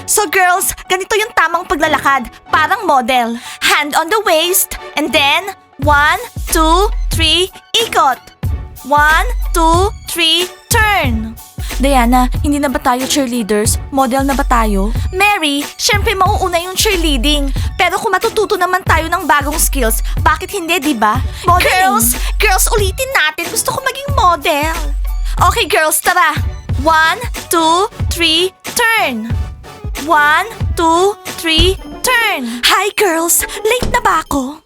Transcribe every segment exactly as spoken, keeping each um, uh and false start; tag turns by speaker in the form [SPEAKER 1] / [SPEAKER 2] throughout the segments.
[SPEAKER 1] So girls, ganito yung tamang paglalakad. Parang model. Hand on the waist. And then, one, two, three, ikot. One, two, three, turn. Diana, hindi na ba tayo cheerleaders? Model na ba tayo? Mary, syempre mauuna yung cheerleading. Pero kung matututo naman tayo ng bagong skills, bakit hindi, di ba? Girls, girls, ulitin natin. Gusto ko maging model. Okay, girls, tara. One, two, three, turn. One, two, three, turn. Hi, girls. Late na ba ako?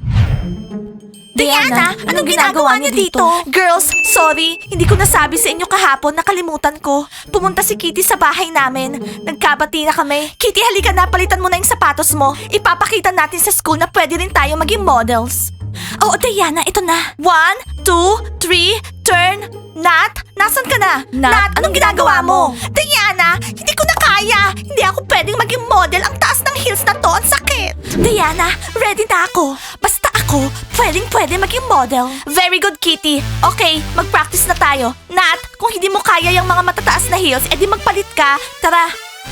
[SPEAKER 1] Diana, anong ginagawa niyo dito? Girls, sorry. Hindi ko nasabi sa inyo kahapon, nakalimutan ko. Pumunta si Kitty sa bahay namin. Nagkabati na kami. Kitty, halika na, palitan mo na yung sapatos mo. Ipapakita natin sa school na pwede rin tayo maging models. Oo, Diana, ito na. One, two, three, turn. Nat, nasan ka na? Nat, anong ginagawa mo? Diana, hindi ko na kaya. Hindi ako pwedeng maging model. Ang taas ng heels na to, ang sakit. Diana, ready na ako. Basta ako, pwedeng pwede maging model. Very good, Kitty. Okay, mag-practice na tayo. Nat, kung hindi mo kaya yung mga matataas na heels, edi magpalit ka. Tara.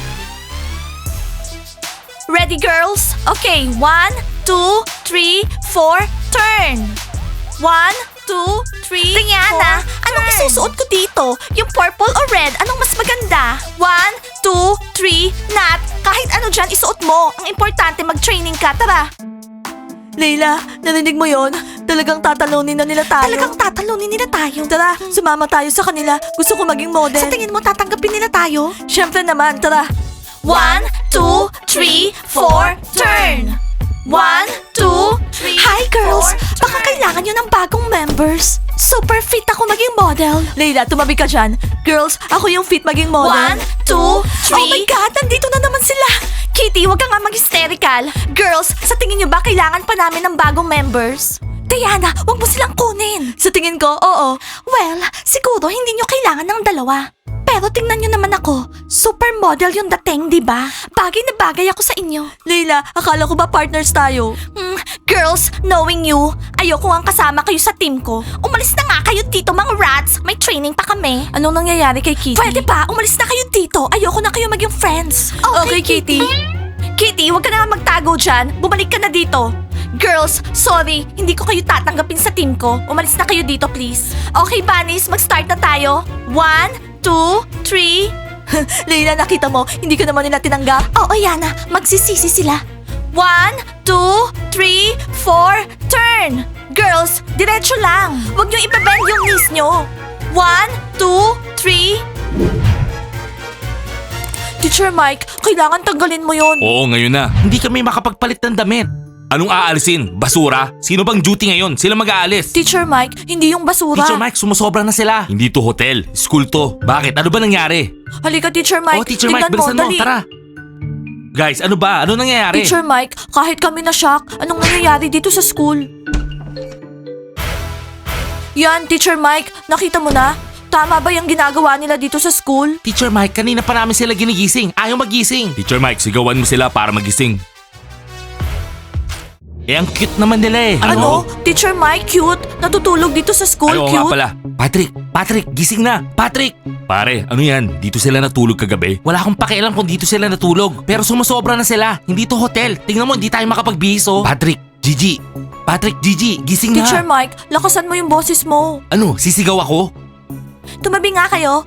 [SPEAKER 1] Ready, girls? Okay, one, two, three, four, turn. One, two, three, Diana, four, anong turn. Isusuot ko dito? Yung purple o red, anong mas maganda? One, two, three, Nat, kahit ano dyan isuot mo. Ang importante mag-training ka, tara. Leila, narinig mo yon? Talagang tatalunin na nila tayo. Talagang tatalunin nila tayo. Tara, sumama tayo sa kanila. Gusto ko maging model. Sa tingin mo tatanggapin nila tayo? Siyempre naman, tara. One, two, three, four, turn. One, two, three, Hi girls! Four, baka kailangan nyo ng bagong members. Super fit ako maging model. Leila, tumabi ka dyan. Girls, ako yung fit maging model. One, two, three. Oh my God, nandito na naman sila. Kitty, wag ka nga mag-hysterical. Girls, sa tingin nyo ba kailangan pa namin ng bagong members? Diana, wag mo silang kunin. Sa tingin ko, oo. Well, siguro hindi nyo kailangan ng dalawa. Pero tingnan nyo naman ako, supermodel yung dating, di ba? Bagay na bagay ako sa inyo. Leila, akala ko ba partners tayo? Hmm, girls, knowing you, ayoko ang kasama kayo sa team ko. Umalis na nga kayo dito, mga rats. May training pa kami. Anong nangyayari kay Kitty? Pwede ba? Umalis na kayo dito. Ayoko na kayo maging friends. Okay, okay Kitty. Kitty, wag ka na nga magtago dyan. Bumalik ka na dito. Girls, sorry, hindi ko kayo tatanggapin sa team ko. Umalis na kayo dito, please. Okay, Bunnies, mag-start na tayo. One, two, three. Leila, nakita mo, hindi ka naman nila tinanggap. Oo, Yana, magsisisi sila. One, two, three, four, turn. Girls, diretso lang. Huwag niyo ibabend yung knees niyo. One, two, three. Teacher Mike, kailangan tanggalin mo yon.
[SPEAKER 2] Oo, ngayon na. Hindi kami makapagpalit ng damit. Anong aalisin? Basura? Sino bang duty ngayon? Sila mag-aalis.
[SPEAKER 1] Teacher Mike, hindi yung basura.
[SPEAKER 2] Teacher Mike, sumusobra na sila. Hindi to hotel. School to. Bakit? Ano ba nangyari?
[SPEAKER 1] Halika, Teacher Mike.
[SPEAKER 2] Oh, Teacher Mike, bilisan mo. Tara. Guys, ano ba? Ano nangyayari?
[SPEAKER 1] Teacher Mike, kahit kami na-shock, anong nangyayari dito sa school? Yan, Teacher Mike, nakita mo na? Tama ba yung ginagawa nila dito sa school?
[SPEAKER 2] Teacher Mike, kanina pa namin sila ginigising. Ayaw magising. Teacher Mike, sigawan mo sila para magising. Eh, ang cute naman nila eh.
[SPEAKER 1] Ano? Teacher Mike, cute? Natutulog dito sa school,
[SPEAKER 2] Ay, oo
[SPEAKER 1] cute?
[SPEAKER 2] nga pala. Patrick, Patrick, gising na. Patrick! Pare, ano yan? Dito sila natulog kagabi? Wala akong pakialam kung dito sila natulog. Pero sumusobra na sila. Hindi to hotel. Tingnan mo, hindi tayo makapagbihis oh. Patrick, Gigi. Patrick, Gigi, gising na.
[SPEAKER 1] Teacher Mike, lakasan mo yung boses mo.
[SPEAKER 2] Ano, sisigaw ako?
[SPEAKER 1] Tumabi nga kayo.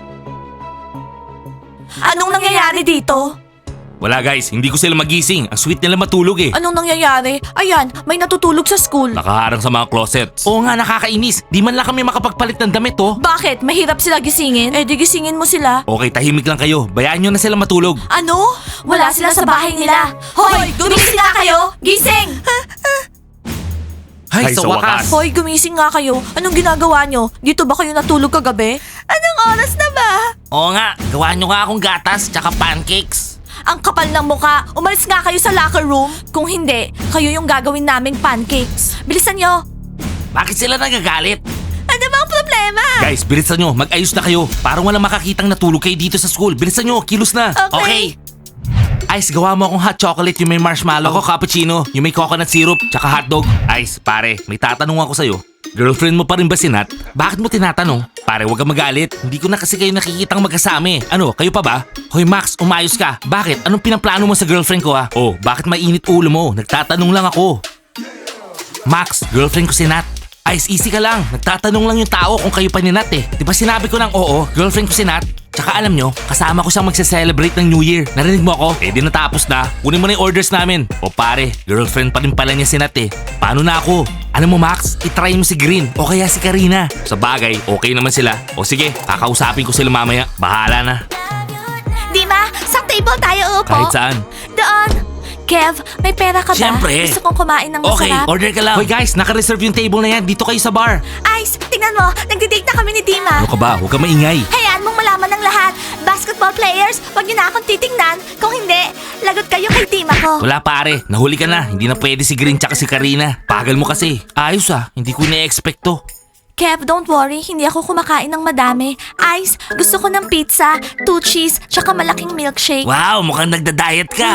[SPEAKER 1] Anong nangyayari dito?
[SPEAKER 2] Wala guys, hindi ko sila magising. Ang sweet nila matulog eh.
[SPEAKER 1] Anong nangyayari? Ayan, may natutulog sa school.
[SPEAKER 2] Nakaharang sa mga closets. Oo nga, nakakainis. Di man lang kami makapagpalit ng damit oh.
[SPEAKER 1] Bakit? Mahirap sila gisingin? Eh di gisingin mo sila.
[SPEAKER 2] Okay, tahimik lang kayo. Bayaan nyo na sila matulog.
[SPEAKER 1] Ano? Wala sila sa bahay nila. Hoy, gumising nga kayo! Gising!
[SPEAKER 2] Ay, sa wakas.
[SPEAKER 1] Hoy, gumising nga kayo. Anong ginagawa nyo? Dito ba kayo natulog kagabi? Anong oras na ba?
[SPEAKER 2] Oo nga, gawa nyo nga akong gatas tsaka pancakes.
[SPEAKER 1] Ang kapal ng muka. Umalis nga kayo sa locker room. Kung hindi, kayo yung gagawin naming pancakes. Bilisan nyo.
[SPEAKER 2] Bakit sila nagagalit?
[SPEAKER 1] Ano bang problema?
[SPEAKER 2] Guys, bilisan nyo. Mag-ayos na kayo. Parang walang makakitang natulog kayo dito sa school. Bilisan nyo, kilos na.
[SPEAKER 1] Okay.
[SPEAKER 2] Ice, gawa mo akong hot chocolate yung may marshmallow. Ako cappuccino, yung may coconut syrup, tsaka hotdog. Ice, pare, may tatanong ako sa'yo. Girlfriend mo pa rin ba si Nat? Bakit mo tinatanong? Pare, huwag kang magalit. Hindi ko na kasi kayo nakikitang magkasama eh. Ano, kayo pa ba? Hoy Max, umayos ka. Bakit? Anong pinaplano mo sa girlfriend ko ha? Oh, bakit mainit ulo mo? Nagtatanong lang ako. Max, girlfriend ko si Nat. Ice, easy ka lang. Nagtatanong lang yung tao kung kayo pa ni Nat eh. Di ba sinabi ko ng oo, girlfriend ko si Nat? Tsaka alam nyo, kasama ko siyang magse-celebrate ng New Year. Narinig mo ako? Eh di natapos na. Kunin mo na yung orders namin. O pare, girlfriend pa rin pala niya si Nat eh. Paano na ako? Alam mo Max, itry mo si Green o kaya si Karina. Sa bagay, okay naman sila. O sige, kakausapin ko sila mamaya. Bahala na.
[SPEAKER 1] Dima, sa table tayo upo.
[SPEAKER 2] Kahit saan.
[SPEAKER 1] Doon. Kev, may pera ka ba?
[SPEAKER 2] Siyempre.
[SPEAKER 1] Gusto kong kumain ng
[SPEAKER 2] Okay,
[SPEAKER 1] masarap.
[SPEAKER 2] order ka lang. Hoy guys, naka-reserve yung table na yan. Dito kayo sa bar.
[SPEAKER 1] Ice, tingnan mo. Nagdi-date na kami ni Dima.
[SPEAKER 2] Ano ka ba? Huwag ka maingay.
[SPEAKER 1] Hayaan mong malaman ng lahat. Basketball players, wag niyo na akong titingnan. Kung hindi, lagot kayo kay Dima ko.
[SPEAKER 2] Wala pare, nahuli ka na. Hindi na pwede si Green tsaka si Karina. Pagal mo kasi. Ayos ah, hindi ko na-expect to.
[SPEAKER 1] Kev, don't worry. Hindi ako kumakain ng madami. Ice, gusto ko ng pizza, two cheese, tsaka malaking milkshake.
[SPEAKER 2] Wow, mukhang nagda-diet ka.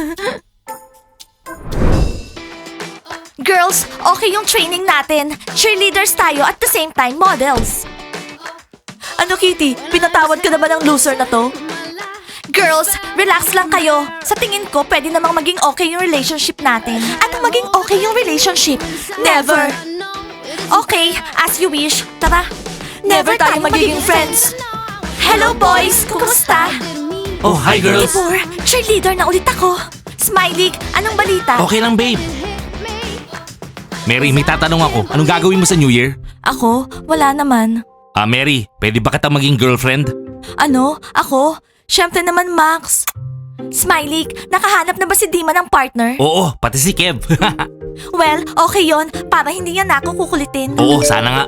[SPEAKER 1] Girls, okay yung training natin. Cheerleaders tayo at the same time models. Ano Kitty, pinatawad ka na ba ng loser na to? Girls, relax lang kayo. Sa tingin ko, pwede namang maging okay yung relationship natin. Anong maging okay yung relationship? Never. Okay, as you wish. Tara. Never tayo magiging friends. Hello boys, kumusta?
[SPEAKER 2] Oh, hi girls.
[SPEAKER 1] Tibor, cheerleader na ulit ako. Smiley, anong balita?
[SPEAKER 2] Okay lang babe. Mary, may tatanong ako. Anong gagawin mo sa New Year?
[SPEAKER 1] Ako? Wala naman.
[SPEAKER 2] Ah, Mary, pwede ba kita maging girlfriend?
[SPEAKER 1] Ano? Ako? Siyempre naman, Max. Smiley, nakahanap na ba si Dima ng partner?
[SPEAKER 2] Oo, pati si Kev.
[SPEAKER 1] Well, okay yon para hindi niya na ako kukulitin.
[SPEAKER 2] Oo, sana nga.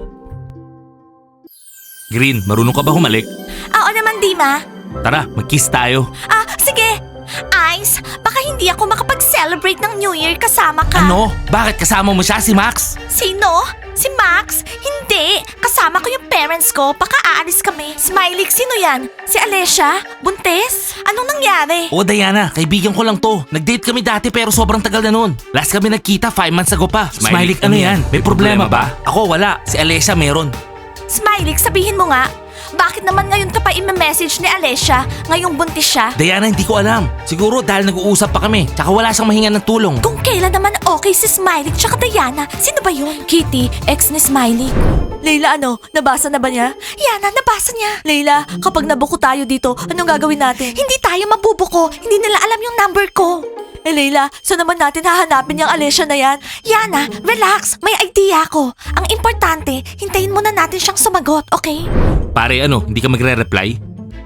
[SPEAKER 2] Green, marunong ka ba humalik?
[SPEAKER 1] Oo naman, Dima.
[SPEAKER 2] Tara, mag-kiss tayo.
[SPEAKER 1] Ah, sige. Ice, baka hindi ako makapag-celebrate ng New Year kasama ka.
[SPEAKER 2] Ano? Bakit kasama mo siya, si Max?
[SPEAKER 1] Sino? Si Max? Hindi. Kasama ko yung parents ko. Baka aalis kami. Smiley, sino yan? Si Alessia? Buntes? Anong nangyari?
[SPEAKER 2] Oo, Diana, kaibigan ko lang to. Nag-date kami dati pero sobrang tagal na nun. Last kami nagkita, five months ago pa. Smiley, ano yan? May problema ba? Ako, wala. Si Alessia meron.
[SPEAKER 1] Smiley, sabihin mo nga. Bakit naman ngayon ka pa i-message ni Alessia? Ngayong buntis siya?
[SPEAKER 2] Diana, hindi ko alam. Siguro dahil nag-uusap pa kami. Tsaka wala siyang mahinga ng tulong.
[SPEAKER 1] Kung kailan naman okay si Smiley tsaka Diana, sino ba yun? Kitty, ex ni Smiley. Leila, ano? Nabasa na ba niya? Yana, nabasa niya. Leila, kapag nabuko tayo dito, anong gagawin natin? Hindi tayo mabubuko. Hindi nila alam yung number ko. Eh Leila, saan naman natin hahanapin yung Alessia na yan? Yana, relax. May idea ako. Ang importante, hintayin muna natin siyang sumagot, okay?
[SPEAKER 2] Pare, ano, hindi ka magre-reply?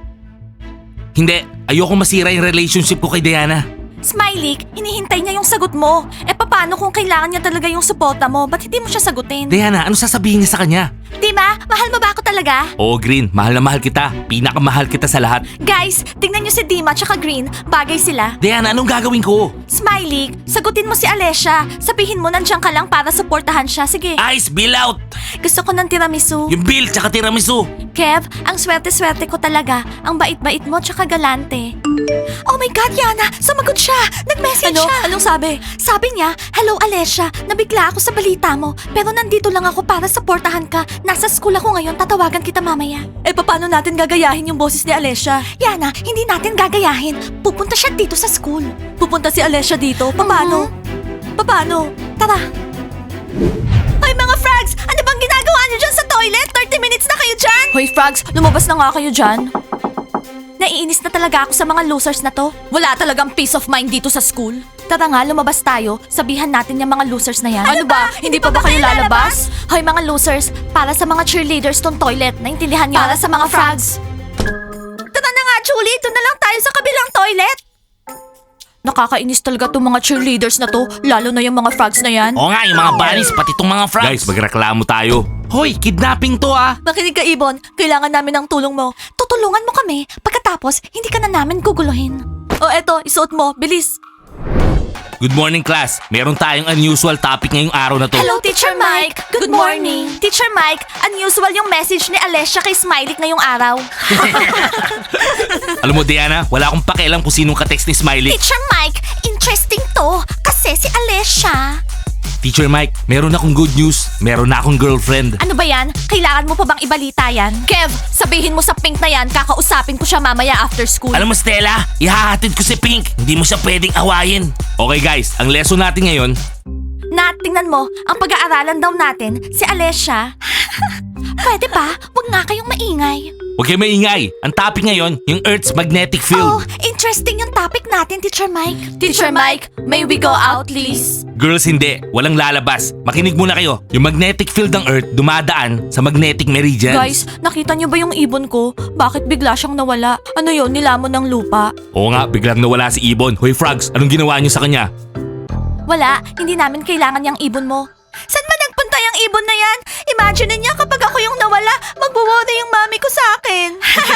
[SPEAKER 2] Hindi, ayoko masira yung relationship ko kay Diana.
[SPEAKER 1] Smiley, hinihintay niya yung sagot mo. Eh paano kung kailangan niya talaga yung suporta mo? Ba't hindi mo siya sagutin?
[SPEAKER 2] Diana, ano sasabihin niya sa kanya?
[SPEAKER 1] Di ba? Mahal mo ba ako talaga?
[SPEAKER 2] Oo, Green, mahal na mahal kita. Pinakamahal kita sa lahat.
[SPEAKER 1] Guys, tingnan niyo si Dima tsaka Green. Bagay sila.
[SPEAKER 2] Diana, anong gagawin ko?
[SPEAKER 1] Smiley, sagutin mo si Alessia. Sabihin mo nandiyan ka lang para suportahan siya. Sige.
[SPEAKER 2] Ice, bill out!
[SPEAKER 1] Gusto ko ng tiramisu.
[SPEAKER 2] Yung bill, tsaka tiramisu.
[SPEAKER 1] Kev, ang swerte-swerte ko talaga. Ang bait-bait mo tsaka galante. Oh my God, Yana! Sumagot siya! Nag-message
[SPEAKER 3] Ano?
[SPEAKER 1] siya!
[SPEAKER 3] Anong sabi?
[SPEAKER 1] Sabi niya, hello Alessia, nabigla ako sa balita mo. Pero nandito lang ako para suportahan ka. Nasa school ako ngayon, tatawagan kita mamaya.
[SPEAKER 3] Eh, paano natin gagayahin yung boses ni Alessia?
[SPEAKER 1] Yana, hindi natin gagayahin. Pupunta siya dito sa school.
[SPEAKER 3] Pupunta si Alessia dito? Paano? Paano?
[SPEAKER 1] Tara. Hoy mga frogs! Ano bang ginagawa niyo dyan sa toilet? thirty minutes na kayo dyan!
[SPEAKER 3] Hoy, Frogs, lumabas na nga kayo dyan.
[SPEAKER 1] Naiinis na talaga ako sa mga losers na to.
[SPEAKER 3] Wala talagang peace of mind dito sa school.
[SPEAKER 1] Tara nga, lumabas tayo. Sabihan natin yung mga losers na yan.
[SPEAKER 3] Ano ba? Hindi pa ba kayo lalabas?
[SPEAKER 1] Hoy mga losers, para sa mga cheerleaders tong toilet. Naintindihan niyo?
[SPEAKER 3] Para sa mga frogs.
[SPEAKER 1] Tara na nga, Julie. Doon na lang tayo sa kabilang toilet.
[SPEAKER 3] Nakakainis talaga tong mga cheerleaders na to, lalo na yung mga frogs na yan.
[SPEAKER 2] Oo nga, yung mga bunnies, pati itong mga frogs. Guys, magreklamo tayo. Hoy, kidnapping to ah!
[SPEAKER 3] Makinig ka, Ibon. Kailangan namin ng tulong mo.
[SPEAKER 1] Tutulungan mo kami. Pagkatapos, hindi ka na namin guguluhin.
[SPEAKER 3] O eto, isuot mo. Bilis.
[SPEAKER 2] Good morning, class. Meron tayong unusual topic ngayong araw na to.
[SPEAKER 1] Hello, Teacher Mike. Good morning. Teacher Mike, unusual yung message ni Alessia kay Smiley ngayong araw.
[SPEAKER 2] Alam mo, Diana, wala akong pakialam kung sinong ka-text ni Smiley.
[SPEAKER 1] Teacher Mike, interesting to. Kasi si Alessia.
[SPEAKER 2] Teacher Mike, meron akong good news. Meron na akong girlfriend.
[SPEAKER 1] Ano ba yan? Kailangan mo pa bang ibalita yan? Kev, sabihin mo sa Pink na yan, kakausapin ko siya mamaya after school.
[SPEAKER 2] Alam mo, Stella, ihahatid ko si Pink. Hindi mo siya pwedeng awayin. Okay guys, ang lesson natin ngayon,
[SPEAKER 1] Nat, tingnan mo, ang pag-aaralan daw natin, si Alessia. Pwede ba? Huwag nga kayong maingay.
[SPEAKER 2] huwag kayo maingay. Ang topic ngayon, yung Earth's magnetic
[SPEAKER 1] Oh,
[SPEAKER 2] field.
[SPEAKER 1] interesting yung topic natin, Teacher Mike. Teacher Mike, may we go out, please?
[SPEAKER 2] Girls, hindi. Walang lalabas. Makinig muna kayo. Yung magnetic field ng Earth dumadaan sa magnetic meridians.
[SPEAKER 3] Guys, nakita niyo ba yung ibon ko? Bakit bigla siyang nawala? Ano yon, nilamon ng lupa?
[SPEAKER 2] Oo nga, biglang nawala si Ibon. Hoy Frogs, anong ginawa niyo sa kanya?
[SPEAKER 1] Wala, hindi namin kailangan yung ibon mo. Saan ba nagpunta yung ibon na yan? Imagine niya kapag ako yung nawala, magwo-worry yung mami ko sa akin.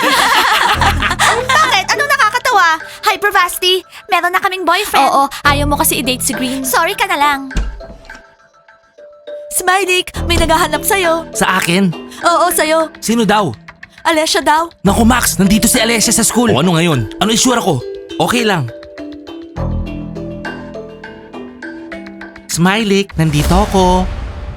[SPEAKER 1] Bakit? Anong nakakatawa? Hi, Bravasti. Meron na kaming boyfriend.
[SPEAKER 3] Oo, ayaw mo kasi i-date si Green.
[SPEAKER 1] Sorry ka na lang.
[SPEAKER 3] Smiley, may naghahanap sa'yo.
[SPEAKER 2] Sa akin?
[SPEAKER 3] Oo, sa'yo.
[SPEAKER 2] Sino daw?
[SPEAKER 3] Alessia daw.
[SPEAKER 2] Naku Max, nandito si Alessia sa school. O ano ngayon? Ano isura ko? Okay lang. Smiley, nandito ako.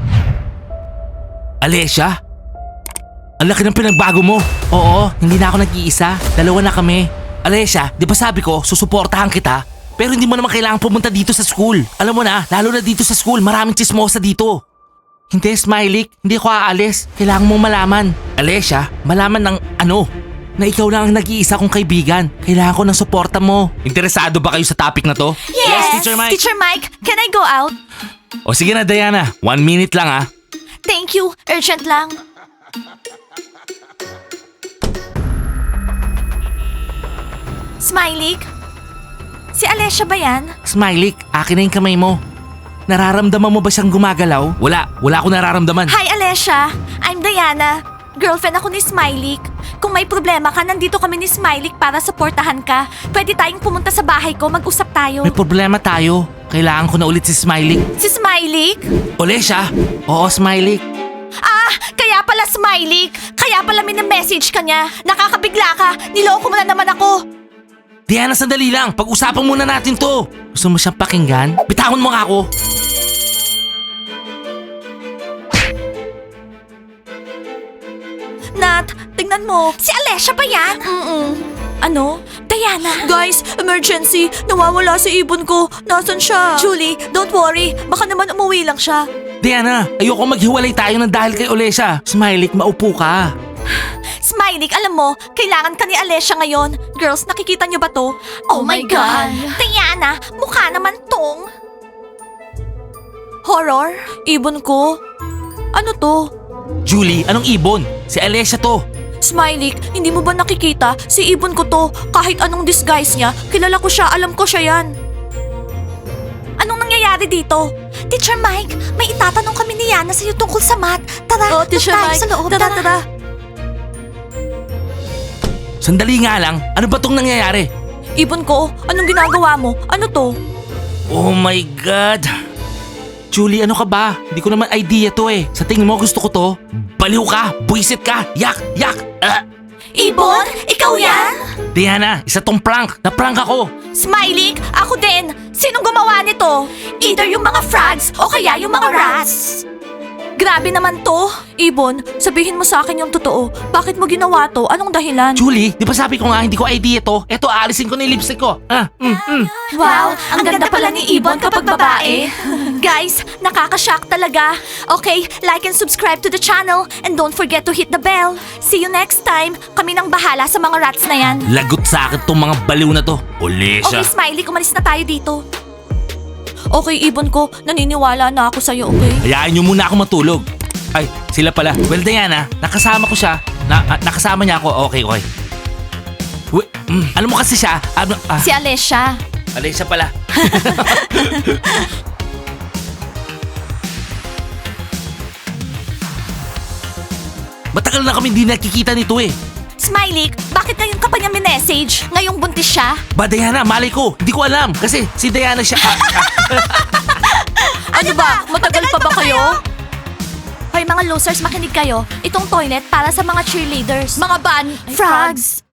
[SPEAKER 2] Alessia? Ang laki ng pinagbago mo. Oo, hindi na ako nag-iisa. Dalawa na kami. Alessia, di ba sabi ko, susuportahan kita? Pero hindi mo naman kailangan pumunta dito sa school. Alam mo na, lalo na dito sa school, maraming chismosa dito. Hindi, Smiley, hindi ako aalis. Kailangan mong malaman. Alessia, malaman ng ano? Na ikaw lang ang nag-iisa kong kaibigan. Kailangan ko ng suporta mo. Interesado ba kayo sa topic na to?
[SPEAKER 1] Yes,
[SPEAKER 2] Teacher Mike.
[SPEAKER 1] Teacher Mike, can I go out?
[SPEAKER 2] O sige na, Diana. One minute lang ah.
[SPEAKER 1] Thank you. Urgent lang. Smiley? Si Alessia ba yan?
[SPEAKER 2] Smiley, akin na yung kamay mo. Nararamdaman mo ba siyang gumagalaw? Wala, wala akong nararamdaman.
[SPEAKER 1] Hi, Alessia. I'm Diana. Girlfriend ako ni Smiley. Kung may problema ka, nandito kami ni Smiley para suportahan ka. Pwede tayong pumunta sa bahay ko, mag-usap tayo.
[SPEAKER 2] May problema tayo. Kailangan ko na ulit si Smiley.
[SPEAKER 1] Si Smiley?
[SPEAKER 2] Olesya? Oo, Smiley.
[SPEAKER 1] Ah, kaya pala Smiley. Kaya pala minamessage ka niya. Nakakabigla ka. Niloko mo na naman ako.
[SPEAKER 2] Diana, sandali lang. Pag-usapan muna natin to. Gusto mo siyang pakinggan? Bitawan mo nga ako.
[SPEAKER 1] Nat, tingnan mo. Si Alessia ba yan?
[SPEAKER 3] Mm-mm. Ano?
[SPEAKER 1] Diana.
[SPEAKER 3] Guys, emergency! Nawawala si ibon ko. Nasaan siya?
[SPEAKER 1] Julie, don't worry.
[SPEAKER 3] Baka naman umuwi lang siya.
[SPEAKER 2] Diana, ayoko maghiwalay tayo ng dahil kay Olesya. Smiley, maupo ka.
[SPEAKER 1] Smiley, alam mo, kailangan ka ni Alessia ngayon. Girls, nakikita niyo ba to? Oh, my God. Diana, mukha naman tong...
[SPEAKER 3] Horror? Ibon ko? Ano to?
[SPEAKER 2] Julie, anong ibon? Si Olesya to.
[SPEAKER 3] Smiley, hindi mo ba nakikita? Si ibon ko to. Kahit anong disguise niya, kilala ko siya, alam ko siya yan.
[SPEAKER 1] Anong nangyayari dito? Teacher Mike, may itatanong kami ni Yana sa'yo tungkol sa math. Tara,
[SPEAKER 3] Oh,
[SPEAKER 1] doon
[SPEAKER 3] Teacher
[SPEAKER 1] tayo
[SPEAKER 3] Mike,
[SPEAKER 1] sa loob.
[SPEAKER 3] tara, tara.
[SPEAKER 2] Sandali nga lang, ano ba tong nangyayari?
[SPEAKER 3] Ibon ko, anong ginagawa mo? Ano to?
[SPEAKER 2] Oh my God! Julie, ano ka ba? Hindi ko naman idea to eh. Sa tingin mo gusto ko to? Baliw ka! Buisit ka! Yak! Yak! Ah!
[SPEAKER 1] Ibon, ikaw yan?
[SPEAKER 2] Diana, isa tong prank. Na-prank ako.
[SPEAKER 1] Smiley, ako din. Sinong gumawa nito? Either yung mga frogs o kaya yung mga rats. Grabe naman to.
[SPEAKER 3] Ibon, sabihin mo sa akin yung totoo. Bakit mo ginawa to? Anong dahilan?
[SPEAKER 2] Julie, di ba sabi ko nga hindi ko idea to? Eto, aalisin ko na yung lipstick ko. Ah, mm, mm.
[SPEAKER 1] Wow, ang, ganda, pala ni Ibon kapag babae. Guys, nakakashock talaga. Okay, like and subscribe to the channel and don't forget to hit the bell. See you next time. Kami nang bahala sa mga rats na yan.
[SPEAKER 2] Lagot sa akin tong mga baliw na to. Olesya.
[SPEAKER 1] Okay, Smiley, kumalis na tayo dito.
[SPEAKER 3] Okay, ibon ko, naniniwala na ako sa'yo, okay?
[SPEAKER 2] Hayaan nyo muna ako matulog. Ay, sila pala. Well, Diana, nakasama ko siya. Na, ah, nakasama niya ako. Okay, okay. Wi- mm, alam mo kasi siya, ano, ah,
[SPEAKER 1] Si Alessia.
[SPEAKER 2] Alesya pala. Matagal na kami hindi nakikita nito eh.
[SPEAKER 1] Smiley, bakit ngayon ka pa niya minessage? Ngayong buntis siya?
[SPEAKER 2] Ba, Diana, malay ko. Hindi ko alam. Kasi si Diana siya... Ah, ah,
[SPEAKER 3] Ano ba? Matagal pa ba kayo?
[SPEAKER 1] Hoy mga losers, makinig kayo. Itong toilet para sa mga cheerleaders.
[SPEAKER 3] Mga ban,
[SPEAKER 1] Frogs!